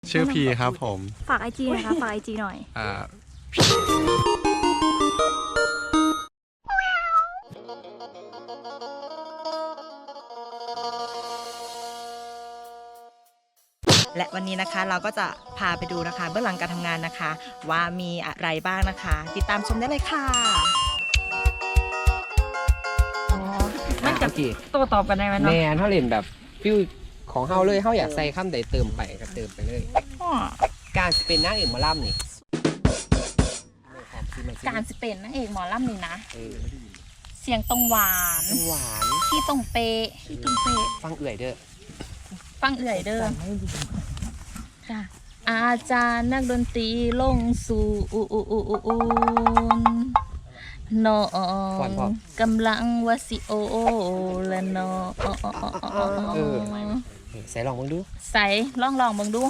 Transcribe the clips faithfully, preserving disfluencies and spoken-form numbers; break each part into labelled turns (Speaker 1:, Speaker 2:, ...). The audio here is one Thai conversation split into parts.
Speaker 1: ชื่อพีครับผม
Speaker 2: ฝากไอจีนะคะฝากไอจีหน่อย
Speaker 1: อ่า
Speaker 3: และวันนี้นะคะเราก็จะพาไปดูนะคะเบื้องหลังการทำงานนะคะ ว่ามีอะไรบ้างนะคะ ติดตามชมได้เลยค่ะ
Speaker 4: มันจะโต้ตอบกันได้ไหมเนาะ
Speaker 5: แม่เขาเล่นแบบฟิวของเฮาเลยเฮาอยากใส่คำใดเติมไปก็เติมไปเลยการเป็นนางเอกหมอลำนี่
Speaker 2: การสิเป็นนางเอกหมอลำนี่นะเสียงตรงหวาน
Speaker 5: หวาน
Speaker 2: ที่ตรงเป๊ะที่ตรงเป๊ะ
Speaker 5: ฟังเอื่อยเด้อ
Speaker 2: ฟังเอื่อยเด้อค่ะอาจารย์นักดนตรีลงสู่อูอูอูอูอูน้องกำลังวาสิโอและน้อง
Speaker 5: เออใส่ลองมึงดู
Speaker 2: ใส่ลองลองมึงดู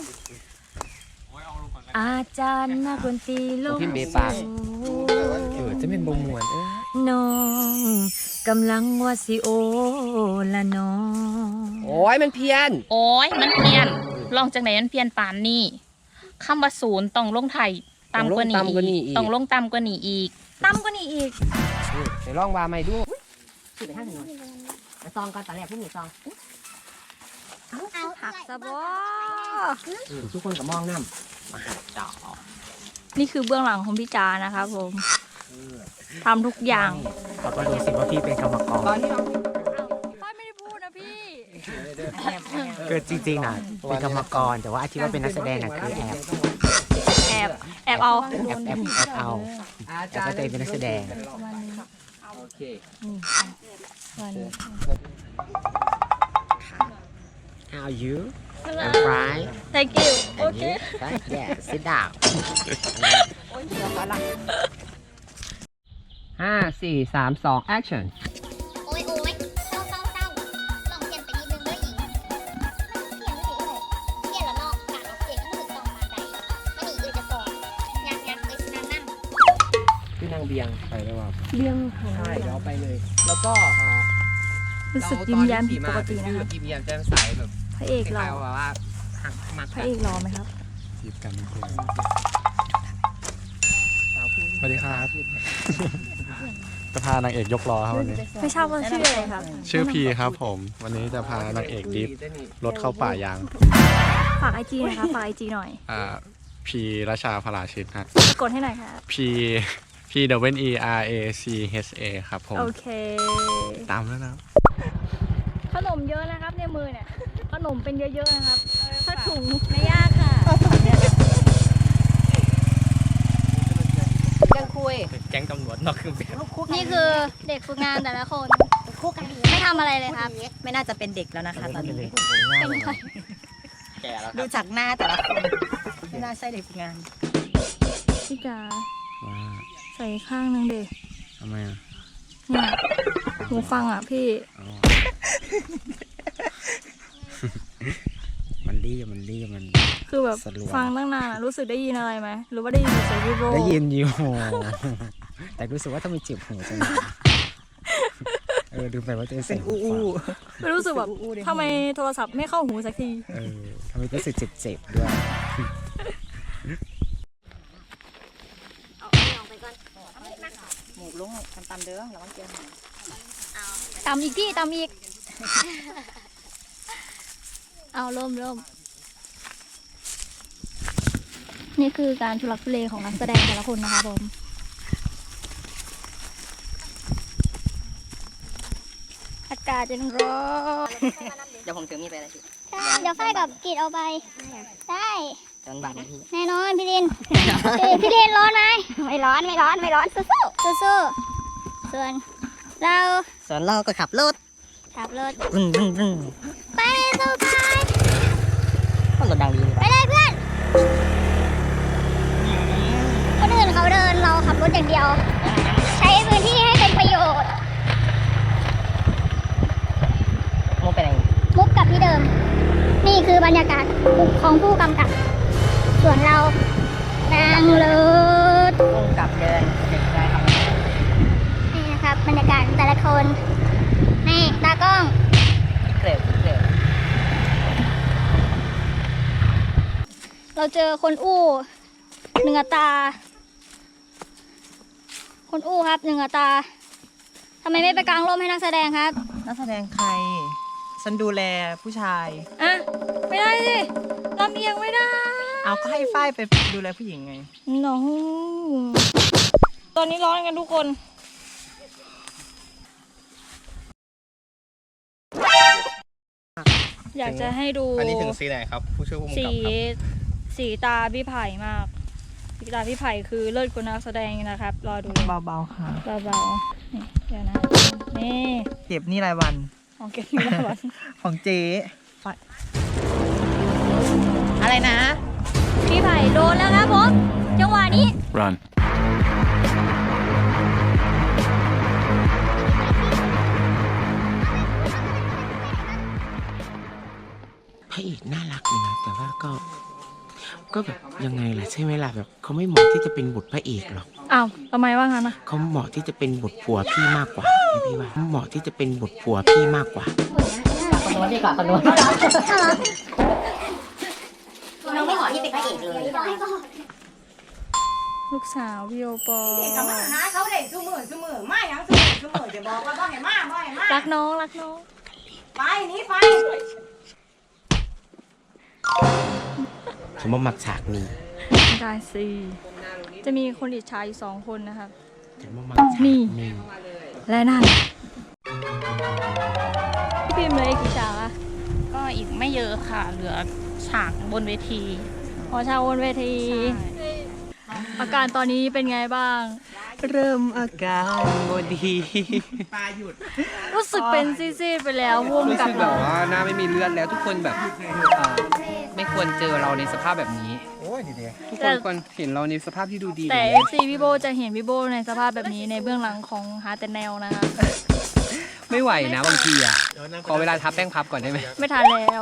Speaker 2: อาจารย์นักดนตรีลงสู่
Speaker 5: เออจะเป็นบงมวนเออ
Speaker 2: น้องกำลังวาสิโอและน้อง
Speaker 5: โอ้ยมันเพี้ยน
Speaker 2: โอ้ยมันเพี้ยนลองจากไหนมันเพี้ยนปานนี่คำว่าศูนย์ต้องลงไทยต่ำกว่านี้อีกต้องลงต่ำกว่านี้อีกต่ำกว่านี้อีก
Speaker 5: ใส่ลองว่าไม่ดู
Speaker 4: ชื่อไปทางถนนมาซองก่อนตอนแรกผู้มีซอง
Speaker 2: ผักสะบอ
Speaker 5: ทุกคนก็มองน้ำมาหัดจ่อ
Speaker 2: นี่คือเบื้องหลังของพี่จานะครับผมทำทุกอย่าง
Speaker 6: เราก็รู้สึกว่าพี่เป็นกรรมกร
Speaker 2: ป้ายไม่ได้พูดนะพี่
Speaker 6: คือจริงๆนะเป็นกรรมกรแต่ว่าที่ว่าเป็นนักแสดงน่ะคือแอบ
Speaker 2: แอบแอบเอา
Speaker 6: แอบแอบแอบเอาแต่ก็ตัวเองเป็นนักแสดง
Speaker 5: โอเค
Speaker 6: How are you I'm fine
Speaker 2: Thank you Okay
Speaker 6: Yeah sit down
Speaker 5: ห้าสี่สามสอง action
Speaker 7: โอ้ยโอ้ยเศร้าเศร้าเศร้าลองเปลี่ยนไปนิดนึงด้วยหญิงเปลี่ยนไม่ได้เลยเปลี่ยนแล้วนอกกะเอาเสียงให้รู้สึกตรงมาใดไม่หนีเลยจะสอนยักยักเลยสินั่งนั่ง
Speaker 5: พี่นางเบียงไปได้ป่ะ
Speaker 2: เบียง
Speaker 5: ใช่เดี๋ยวไปเลยแล้วก็
Speaker 2: รู้สึกยิ้มแย้มผิดปกตินะคะ
Speaker 5: ยิ้มแย้มแจ่มใสแบบ
Speaker 2: พระเอกหล่อ
Speaker 5: ว่า
Speaker 2: พระเอกหล่อไหมครับ
Speaker 1: จีบกันเพื่อนสวัสดีครับจะพานางเอกยกล้อครับวันนี้
Speaker 2: ไม่ทราบว่าชื่ออะไรครับ
Speaker 1: ชื่อพีครับผมวันนี้จะพานางเอกดิฟรถเข้าป่ายาง
Speaker 2: ฝากไอจีนะคะฝากไอจีหน่อย
Speaker 1: อ่าพีราชาพลาชิตฮะ
Speaker 2: กดให้หน่อยค่ะ
Speaker 1: P P W E R A C H A ครับผม
Speaker 2: โอเค
Speaker 1: ตามแล้วนะ
Speaker 2: ขนมเยอะนะครับในมือเนี่ยขนมเป็นเยอะๆนะครับถ้าถุงไม่ยากค่ะ
Speaker 4: ยังคุย
Speaker 6: แก๊งตำรวจนอกเครื่องแบบ
Speaker 2: นี่คือเด็กฝึกงานแต่ละคนไม่ทำอะไรเลยครับ
Speaker 3: ไม่น่าจะเป็นเด็กแล้วนะคะตอนนี้
Speaker 2: เป็นใคร
Speaker 6: แก่แล้ว
Speaker 3: ดูจากหน้าแต่ละคนไม่น่าใช่เด็กฝึกงาน
Speaker 2: พี่จ๋าใส่ข้างนึงเด็ก
Speaker 1: ทำไมอ่ะ
Speaker 2: เนี่ยหูฟังอ่ะพี่
Speaker 6: มันรีบมันรีบมัน
Speaker 2: คือแบบฟังตั้งนานรู้สึกได้ยินอะไรไหมหรือว่าได้ยินเสียงวิโร
Speaker 6: ได้ยินอยู่แต่รู้สึกว่าทำไมเจ็บหัวจังเออดูไปว่าจะเสียงอู้
Speaker 2: ไม่รู้สึกแบบทำไมโทรศัพท์ไม่เข้าหูสักที
Speaker 6: เออทำไมรู้สึกเจ็บๆด้วย
Speaker 4: หมูลุงตำตำเด้อแล้วก็เจียว
Speaker 2: ตำอีกพี่ตำอีกเอาเริ่มเริ่มนี่คือการทุลักทุเลของนักแสดงแต่ละคนนะคะผมอากาศยังร้อน
Speaker 4: เดี๋ยวผมถือมีไปอะไรพี่
Speaker 7: เดี๋ยวฝ้ายกับกีดเอาไปได้
Speaker 4: จนบาดพี่
Speaker 7: แน่นอนพี่ลินพี่ลินร้อนไหมไม่ร้อนไม่ร้อนไม่ร้อนสู้สู้สู้ส่วนเรา
Speaker 4: ส่วนเราก็ขับรถ
Speaker 7: ขับรถ
Speaker 4: บึ้งบึ้งบึ้ง
Speaker 7: ไปสู้ไป
Speaker 4: ก็รถดังดี
Speaker 7: ไปเลยเพื่อนคนอื่นเขาเดินเราขับรถอย่างเดียวใช้พื้นที่ให้เป็นประโยชน์
Speaker 4: มุกไปไหน
Speaker 7: มุกกับที่เดิมนี่คือบรรยากาศของผู้กำกับส่วนเรานั่งรถ
Speaker 4: มุกกับเดินได้ครับ
Speaker 7: นี่นะครับบรรยากาศแต่ละคนนี่ตากล้อง
Speaker 4: เกลียวเกลียว
Speaker 7: เราเจอคนอู้หนึ่งอัตราคนอู้ครับหนึ่งอัตราทำไมไม่ไปกางร่มให้นักแสดงครับ
Speaker 3: นักแสดงใคร ฉันดูแลผู้ชาย
Speaker 7: อ่ะไม่ได้สิลำเอียงไม่ได้
Speaker 3: เอาก็ให้ฝ้ายไปดูแลผู้หญิงไง
Speaker 7: น้องตอนนี้ร้อนกันทุกคน อยากจะให้ดู
Speaker 1: อันนี้ถึงสีไหนครับ ผู้ช่วยผู้กำกับ
Speaker 7: สี
Speaker 1: ครับ
Speaker 7: สีตาพี่ไผ่มาก สีตาพี่ไผ่คือเลิศกว่านักแสดงนะครับ รอดูเลย
Speaker 3: เบาๆค่ะ
Speaker 7: เบาๆนี่เดี๋ยวนะ นี่
Speaker 3: เก็บนี่รายวัน
Speaker 7: ของเก็บนี่แล้ววัน
Speaker 3: ของเจ๊ฝ้ายอะไรนะ
Speaker 7: พี่ไผ่โดนแล้วครับผมจังหวะนี้
Speaker 1: run
Speaker 8: พระเอกน่ารักเลยนะแต่ว่าก็ก็แบบยังไงล่ะใช่ไหมล่ะแบบเขาไม่เหมาะที่จะเป็นบทพระเอกหรอก
Speaker 7: อ้าวทำไมว่างั้นนะ
Speaker 8: เขาเหมาะที่จะเป็นบทผัวพี่มากกว่าพี่ว่าเหมาะที่จะเป็นบทผัวพี่มากกว่า
Speaker 4: คนโน้นดีกว่าคนโน้น
Speaker 9: น้องไม่เหมาะที่เป็นพระเอกเลย
Speaker 7: ลูกสาวพี่โอปอ
Speaker 4: เขามาหาเขาได้ซุมือซุมือมาอย่างซุมือซุมือจะบอกว่าบ่ให้มาบ่ให้มา
Speaker 7: รักน้องรักน้อง
Speaker 4: ไปหนี้ไป
Speaker 8: ฉันว่ามักฉากนี้
Speaker 7: ได้สิจะมีคนอิจฉาอยู่สองคนนะครับ
Speaker 8: ฉันว่ามักฉาก
Speaker 7: นี่
Speaker 8: นี้
Speaker 7: และนั่นพี่พิมพ์เลยกี่ฉากอะ
Speaker 2: ก็อีกไม่เยอะค่ะ เหลือฉากบนเวที
Speaker 7: อ๋อฉากบนเวที อาการตอนนี้เป็นไงบ้าง
Speaker 5: เริ่มอาการบดี
Speaker 7: รู้สึกเป็นซีดๆไปแล้วว่วง
Speaker 5: รู้
Speaker 7: กับ
Speaker 5: สึกแบบว่าหน้าไม่มีเลือดแล้วทุกคนแบบอ่าไม่ควรเจอเราในสภาพแบบนี้
Speaker 1: โอ้ยดี
Speaker 5: ทุกคนควรเห็นเราในสภาพที่ดูดี
Speaker 7: แต่
Speaker 5: แบบ
Speaker 7: เอ
Speaker 5: นี้
Speaker 7: ฟซีพี่โบจะเห็นพี่โบในสภาพแบบนี้ในเบื้องหลังของหาแต่แนวนะคะ
Speaker 5: ไม่ไหวนะบางทีอ่ะขอเวลาทับแป้งพับก่อนได้ไหม
Speaker 7: ไม่ทันแล้ว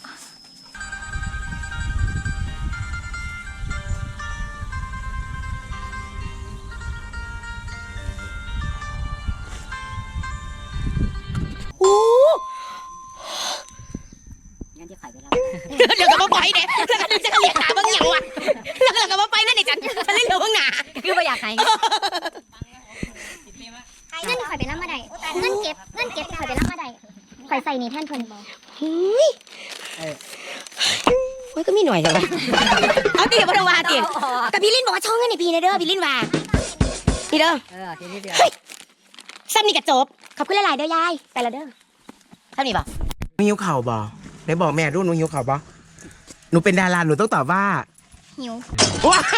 Speaker 9: งั้นจะไข่ไปแล้ว
Speaker 4: เดี๋ยวก็มาไปเด้แล้วก็จะเรียกหาบางอย่างว่ะแล้วก็มาไปนั่นนี่จันฉันเล่นเหลือข้างหน้า
Speaker 9: คือไม่อยากให้เงินข่อยไปรับมาได้เงินเก็บเงินเก็บข่อยไปรับมาได้ข่อยใส่นี่แท่นเพิ่นบอก
Speaker 4: โอ้ยก็มีหน่อยจังวะเอาตีกับพระวาตีกับพี่ลินบอกว่าช่องเงินในพี่เด้อพี่ลินว่าพี่เด้อ
Speaker 9: เออทีนี้เดียว
Speaker 4: ซ้ำนี่กระจบขอบคุณหลายๆเด้อยายไปละเด้อซ้ำนี่บ่
Speaker 8: หนูหิวข่าวบอไหนบอกแม่ดูหนูหิวข่าวบอหนูเป็นดาราหนูต้องตอบว่า
Speaker 7: หิว
Speaker 8: ว้า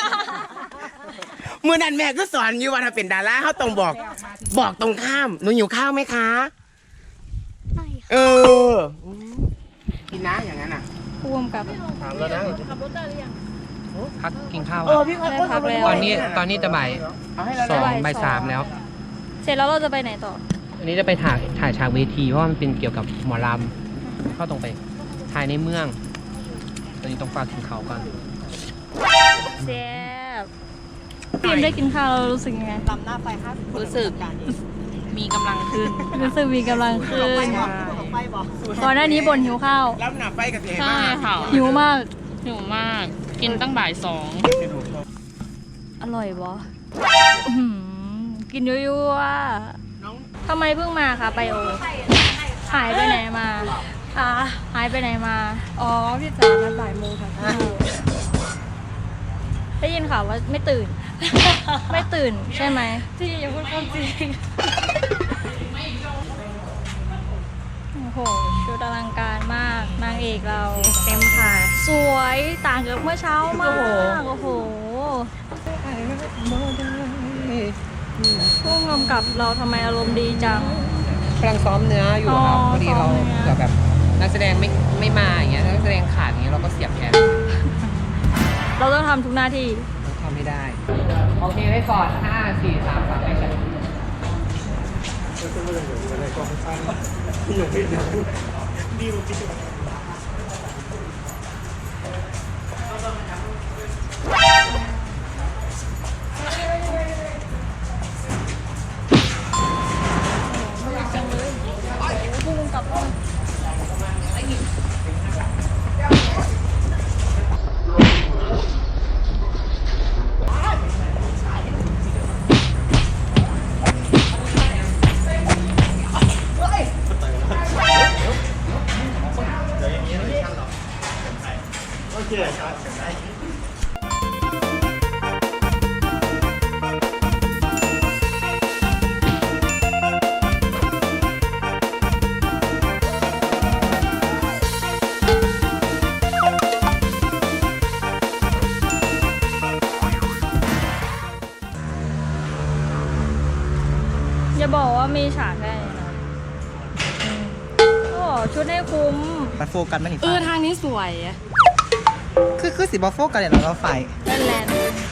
Speaker 8: เมื่อนั้นแม่ก็สอนอยู่ว่าถ้าเป็นดาราเขาต้องบอก บอกตรงข้ามหนูหิวข้าวไหมคะเออกินนะอย่างนั้นอ่ะ
Speaker 7: พ่วงกับ
Speaker 1: ถามแล้วนะ
Speaker 5: พักกินข้าว
Speaker 8: เออพี่
Speaker 7: ได้พักแล้ว
Speaker 5: ตอนนี้ตอนนี้จะบ่าย
Speaker 8: เอาให้เรา
Speaker 5: สอง
Speaker 7: บ่าย
Speaker 5: บ่าย
Speaker 7: สอง
Speaker 5: สามแล้ว
Speaker 7: เสร็จแล้วเราจะไปไหนต่อ
Speaker 5: อันนี้จะไปถ่ายถ่ายฉากเวทีเพราะว่ามันเป็นเกี่ยวกับหมอลำเข้าตรงไปถ่ายในเมือง ตอนนี้ต้องฝากถึงเขาก่อน
Speaker 7: แซ่บพิมพ์ได้กินข้าวเรารู้สึกยังไง
Speaker 3: ลำหน้าไฟห้าสิบ
Speaker 2: รู้สึกมีกำลังขึ้น
Speaker 7: รู้สึกมีกำลังขึ้น
Speaker 3: ไฟบอก
Speaker 7: ก่อนหน้านี้บ่นหิวข้าว
Speaker 8: รับหนาไฟกับเสีย
Speaker 2: ใช่
Speaker 8: มาก
Speaker 2: ค่ะ
Speaker 7: หิวมาก
Speaker 2: หิวมาก กินตั้งบ่ายสอง
Speaker 7: อร่อยบอกินยั่วๆทำไมเพิ่งมาคะไปโอ หายไปไหนมาอ่าหายไปไหนมา อ๋อ พี่จ๋านัดบ่ายโมงค่ะได้ยินข่าวว่าไม่ตื่น ไม่ตื่นใช่ไหมที่อย่าพูดความจริง โอ้โห ชุดอลังการมาก นางเอกเรา
Speaker 3: เต็มค่ะ
Speaker 7: สวยต่างจากเมื่อเช้ามาก โอ้โหผู้กำกับเราทำไมอารมณ์ดีจัง
Speaker 5: กำลังซ้อมเนื้ออยู่ครับ
Speaker 7: อ๋อ
Speaker 5: พอดีเรา
Speaker 7: ซ้อมเนื้อ
Speaker 5: เผื่อแบบนักแสดงไม่ไม่มาอย่างเงี้ยนักแสดงขาดอย่างเงี้ยเราก็เสียบแทน
Speaker 7: เราต้องทำทุกหน้าที่
Speaker 5: ต้องทำให้ได้ โอเคไว้ก่อนห้าสี่สามสองแอคชั่น
Speaker 7: อย่าบอกว่ามีฉากได้นะโอ้ชุดให้คุ้ม
Speaker 3: มาโฟกัสมันอีก
Speaker 7: เออทางนี้สวยอะ
Speaker 3: คือคือสีบอโฟกัสเนี่ยเราก็ไฟ
Speaker 7: แลนแลน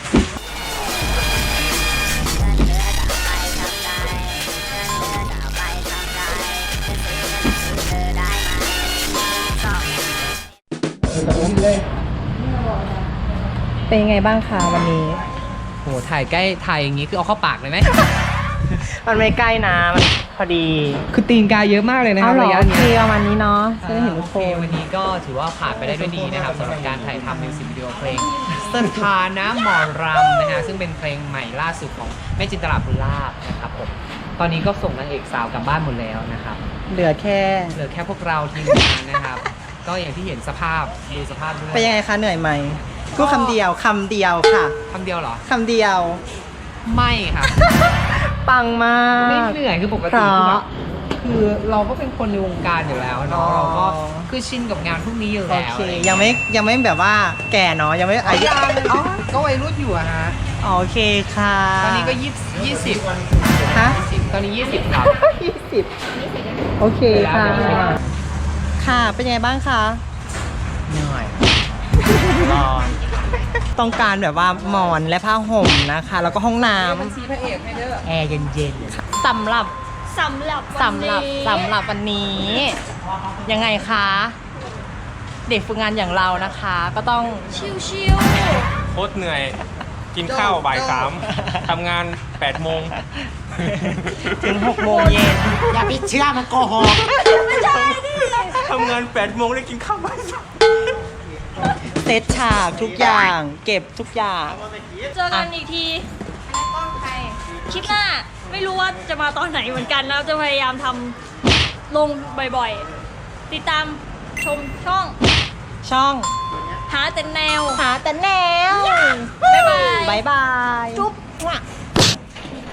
Speaker 3: เป็นยังไงบ้างคะวันนี้
Speaker 5: โหถ่ายใกล้ถ่ายอย่างนี้คือเอาเข้าปากเลยไหม
Speaker 3: มันไม่ใกล้นะมันพอดี
Speaker 5: คือตีนกาเยอะมากเลยนะค
Speaker 3: เอา
Speaker 5: รับ
Speaker 3: เหรอ
Speaker 5: ระยะ
Speaker 3: โอเค
Speaker 5: เนี้ย
Speaker 3: ประมาณนี้เนาะจะได้เห็นทุก
Speaker 5: โอ
Speaker 3: ค
Speaker 5: เคน วันนี้ก็ถือว่าผ่านไปได้ด้วยดีนะครับสำหรับการถ่ายทำมิวสิกวิดีโอเพลงสถานะหมอรำนะฮะซึ่งเป็นเพลงใหม่ล่าสุดของแม่จินตลาภูลาภนะครับผมตอนนี้ก็ส่งนางเอกสาวกลับบ้านหมดแล้วนะครับ
Speaker 3: เหลือแค่
Speaker 5: เหลือแค่พวกเราทีมงานนะครับ ก็อย่างที่เห็นสภาพดูสภาพด้วย
Speaker 3: เป็นยังไงคะเหนื่อยไหมพูดคำเดียวคำเดียวค่ะ
Speaker 5: คำเดียวเหรอ
Speaker 3: คำเดียว
Speaker 5: ไม่ครับ
Speaker 3: ปังมาก
Speaker 5: ไม่เหนื่อยคือปกติคือแบบคือเราก็เป็นคนในวงการอยู่แล้ว
Speaker 3: อ๋
Speaker 5: เนาะ
Speaker 3: อ
Speaker 5: เราก็คือชินกับงานพวกนี้อยู่
Speaker 3: โอ
Speaker 5: แล้ว
Speaker 3: เคยังไม่ยังไม่แบบว่าแก่เนาะยังไม่อายุ
Speaker 5: อ๋อก็วัยรุ่นอยู่อะฮะ
Speaker 3: โอเคค่ะ
Speaker 5: ตอนนี้ก็ยี่ยี่สิบ
Speaker 3: ฮะ
Speaker 5: ตอนนี้ยี่สิบครับ
Speaker 3: ยี่สิบโอเคค่ะ ค่ะเป็นยังไงบ้างคะ
Speaker 8: เหนื่อยร้อน
Speaker 3: ต้องการแบบว่าหมอนและผ้าห่มนะคะ แล้วก็ห้องน้
Speaker 5: บัญชีพระเอกให้เด้อ
Speaker 3: ำแอร์เย็นๆสำหรับ
Speaker 7: สำหรับ
Speaker 3: สำหรับสำหรับวันนี้ ยังไงคะ เด็กฝึกงานอย่างเรานะคะ ก็ต้อง
Speaker 7: ชิว
Speaker 10: โคตรเหนื่อย กินข้าวบ่ายสามทำงานแปดโมง
Speaker 3: ถึงหกโมงเย็น
Speaker 8: อย่าไปเชื่อมันโกหก
Speaker 10: ทำงานแปดโมงได้กินข้าวบ่ายสาม
Speaker 3: เซตฉากทุกอย่าง เก็บทุกอย่าง
Speaker 7: ๆเจอกันอีกทีคลิปหน้าไม่รู้ว่าจะมาตอนไหนเหมือนกันแล้วจะพยายามทำลงบ่อยๆ ติดตามชมช่อง
Speaker 3: ช่อง
Speaker 7: หาแต่แนว
Speaker 3: หาแต่แนว
Speaker 7: บ๊ายบาย
Speaker 3: บายบาย
Speaker 7: จุ๊บ
Speaker 3: ว่ะ